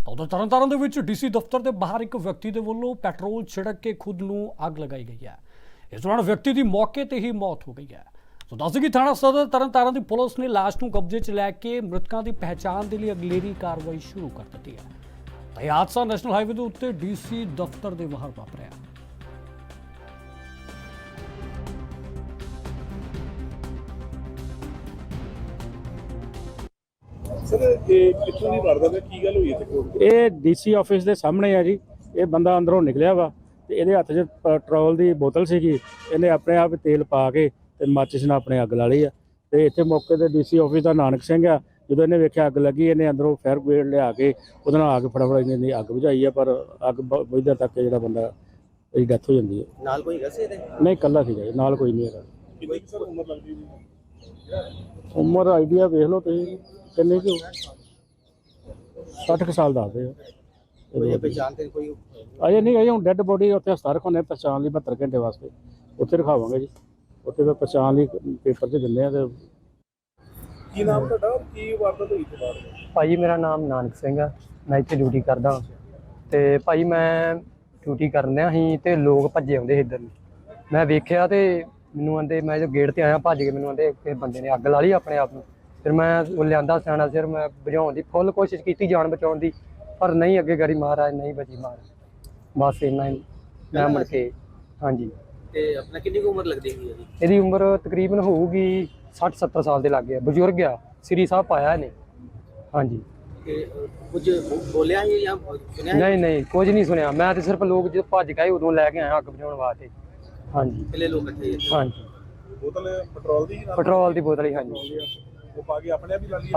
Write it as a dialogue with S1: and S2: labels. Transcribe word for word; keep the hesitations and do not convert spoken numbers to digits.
S1: ਤਾਂ ਉਧਰ ਤਰਨਤਾਰਨ ਦੇ ਵਿੱਚ ਡੀਸੀ ਦਫ਼ਤਰ ਦੇ ਬਾਹਰ ਇੱਕ ਵਿਅਕਤੀ ਦੇ ਵੱਲੋਂ ਪੈਟਰੋਲ ਛਿੜਕ ਕੇ ਖੁਦ ਨੂੰ ਅੱਗ ਲਗਾਈ ਗਈ ਹੈ। ਇਸ ਦੌਰਾਨ ਵਿਅਕਤੀ ਦੀ ਮੌਕੇ ਤੇ ਹੀ ਮੌਤ ਹੋ ਗਈ ਹੈ। ਸੋ ਦੱਸ ਕਿ ਥਾਣਾ ਸਦਰ ਤਰਨਤਾਰਨ ਦੀ ਪੁਲਿਸ ਨੇ ਲਾਸ਼ ਨੂੰ ਕਬਜ਼ੇ 'ਚ ਲੈ ਕੇ ਮ੍ਰਿਤਕਾਂ ਦੀ ਪਹਿਚਾਣ ਦੇ ਲਈ ਅਗਲੇਰੀ ਕਾਰਵਾਈ ਸ਼ੁਰੂ ਕਰ ਦਿੱਤੀ ਹੈ। ਤਾਂ ਇਹ ਹਾਦਸਾ ਨੈਸ਼ਨਲ ਹਾਈਵੇ ਦੇ ਉੱਤੇ ਡੀਸੀ ਦਫ਼ਤਰ ਦੇ ਬਾਹਰ ਵਾਪਰਿਆ।
S2: ਸਰ ਇਹ ਕਿੱਥੋਂ ਦੀ ਵਾਰਦਾਤ ਹੈ, ਕੀ ਗੱਲ ਹੋਈ ਇੱਥੇ ਕੋਲ?
S3: ਇਹ ਡੀਸੀ ਆਫਿਸ ਦੇ ਸਾਹਮਣੇ ਆ ਜੀ। ਇਹ ਬੰਦਾ ਅੰਦਰੋਂ ਨਿਕਲਿਆ ਵਾ ਤੇ ਇਹਦੇ ਹੱਥ 'ਚ ਪੈਟਰੋਲ ਦੀ ਬੋਤਲ ਸੀਗੀ। ਇਹਨੇ ਆਪਣੇ ਆਪ ਤੇਲ ਪਾ ਕੇ ਤੇ ਮਾਚਿਸ ਨਾਲ ਆਪਣੇ ਅੱਗ ਲਾ ਲਈ ਆ। ਤੇ ਇੱਥੇ ਮੌਕੇ ਤੇ ਡੀਸੀ ਆਫਿਸ ਦਾ ਨਾਨਕ ਸਿੰਘ ਆ। ਜਦੋਂ ਇਹਨੇ ਵੇਖਿਆ ਅੱਗ ਲੱਗੀ, ਇਹਨੇ ਅੰਦਰੋਂ ਫਾਇਰ ਬ੍ਰਿਗੇਡ ਲਿਆ ਕੇ ਉਹਦੇ ਨਾਲ ਅੱਗ ਫਟਾਫਟ ਇਹਨੇ ਅੱਗ ਬੁਝਾਈ ਆ। ਪਰ ਅੱਗ ਬੁਝਣ ਤੱਕ ਜਿਹੜਾ ਬੰਦਾ ਇਹਦੀ ਡੈਥ ਹੋ ਜਾਂਦੀ ਹੈ।
S4: ਨਾਲ ਕੋਈ ਹੈਗਾ ਸੀ ਇਹਦੇ?
S3: ਨਹੀਂ, ਇਕੱਲਾ ਸੀਗਾ ਜੀ, ਨਾਲ ਕੋਈ ਨਹੀਂ ਹੈਗਾ।
S2: ਕਿੰਨੀ ਕੁ ਸਰ ਉਮਰ ਲੱਗਦੀ ਜੀ?
S3: ਉਮਰ ਆਈਡੀਆ ਵੇਖ ਲਓ ਤੁਸੀਂ ਕਿੰਨੇ ਕੁ ਸੱਠ ਕੁ ਸਾਲ ਦੱਸਦੇ ਆ।
S4: ਕੋਈ ਪਹਿਚਾਣ ਤੇ ਕੋਈ
S3: ਅਜੇ ਨਹੀਂ ਅਜੇ ਹੁਣ ਡੈੱਡ ਬੋਡੀ ਉੱਥੇ ਹਸਪਤਾਲ ਰਖਾਉਂਦੇ ਪਛਾਣ ਲਈ ਬਹੱਤਰ ਘੰਟੇ ਵਾਸਤੇ ਉੱਥੇ ਰਖਾਵਾਂਗੇ ਜੀ। ਉੱਥੇ ਫਿਰ ਪਛਾਣ ਲਈ ਪੇਪਰ 'ਚ ਦਿੰਦੇ ਆ। ਤੇ
S2: ਕੀ ਨਾਮ ਤੁਹਾਡਾ, ਕੀ ਵਾਰਦਾਤ ਹੋਈ ਤੇ ਬਾਅਦ?
S5: ਭਾਜੀ ਮੇਰਾ ਨਾਮ ਨਾਨਕ ਸਿੰਘ ਆ। ਮੈਂ ਇੱਥੇ ਡਿਊਟੀ ਕਰਦਾ ਤੇ ਭਾਜੀ ਮੈਂ ਡਿਊਟੀ ਕਰਨ ਡਿਆ ਸੀ ਤੇ ਲੋਕ ਭੱਜੇ ਆਉਂਦੇ ਸੀ ਇੱਧਰ ਨੂੰ। ਮੈਂ ਵੇਖਿਆ ਤੇ ਮੈਨੂੰ ਆਂਦੇ, ਮੈਂ ਜੋ ਗੇਟ ਤੇ ਆਇਆ ਭੱਜ ਕੇ ਮੈਨੂੰ ਆਂਦੇ ਕਿਸੇ ਬੰਦੇ ਨੇ ਅੱਗ ਲਾ ਲਈ ਆਪਣੇ ਆਪ ਨੂੰ। ਫਿਰ ਮੈਂ ਉਹ ਲਿਆਂਦਾ ਸਿਆਣਾ ਸਿਰ, ਮੈਂ ਬੁਝਾਉਣ ਦੀ ਫੁੱਲ ਕੋਸ਼ਿਸ਼ ਕੀਤੀ, ਜਾਨ ਬਚਾਉਣ ਦੀ, ਪਰ ਨਹੀਂ ਅੱਗੇ ਗਾੜੀ ਮਹਾਰਾਜ ਨਹੀਂ ਬਚੀ ਮਾਰ। ਬਸ ਇੰਨਾ ਹੀ ਮੈਂ ਮੁੜ ਕੇ। ਹਾਂਜੀ।
S4: ਤੇ ਆਪਣਾ ਕਿੰਨੀ ਕੁ ਉਮਰ ਲੱਗਦੀ ਹੈ ਜੀ?
S5: ਇਹਦੀ ਉਮਰ ਤਕਰੀਬਨ ਹੋਊਗੀ ਸੱਠ ਸੱਤਰ ਸਾਲ ਦੇ ਲਾਗੇ ਆ। ਬਜ਼ੁਰਗ ਆ, ਸ੍ਰੀ ਸਾਹਿਬ ਪਾਇਆ ਇਹਨੇ। ਹਾਂਜੀ।
S4: ਤੇ ਕੁਝ ਬੋਲਿਆ ਸੀ ਜਾਂ ਸੁਣਿਆ?
S5: ਨਹੀਂ ਨਹੀਂ ਕੁਝ ਨਹੀਂ ਸੁਣਿਆ। ਮੈਂ ਤੇ ਸਿਰਫ ਲੋਕ ਜਦੋਂ ਭੱਜ ਗਏ ਉਦੋਂ ਲੈ ਕੇ ਆਇਆ ਅੱਗ ਬੁਝਾਉਣ ਵਾਸਤੇ। ਹਾਂਜੀ।
S4: ਪਹਿਲੇ ਲੋਕ ਇਕੱਠੇ ਸੀ?
S5: ਹਾਂਜੀ।
S2: ਬੋਤਲ ਪੈਟਰੋਲ ਦੀ ਨਾਲ?
S5: ਪੈਟਰੋਲ ਦੀ ਬੋਤਲ ਹੀ। ਹਾਂਜੀ।
S2: ਉਹ ਪਾ ਕੇ ਆਪਣੇ ਆਪ ਹੀ ਲਾ ਲਈ?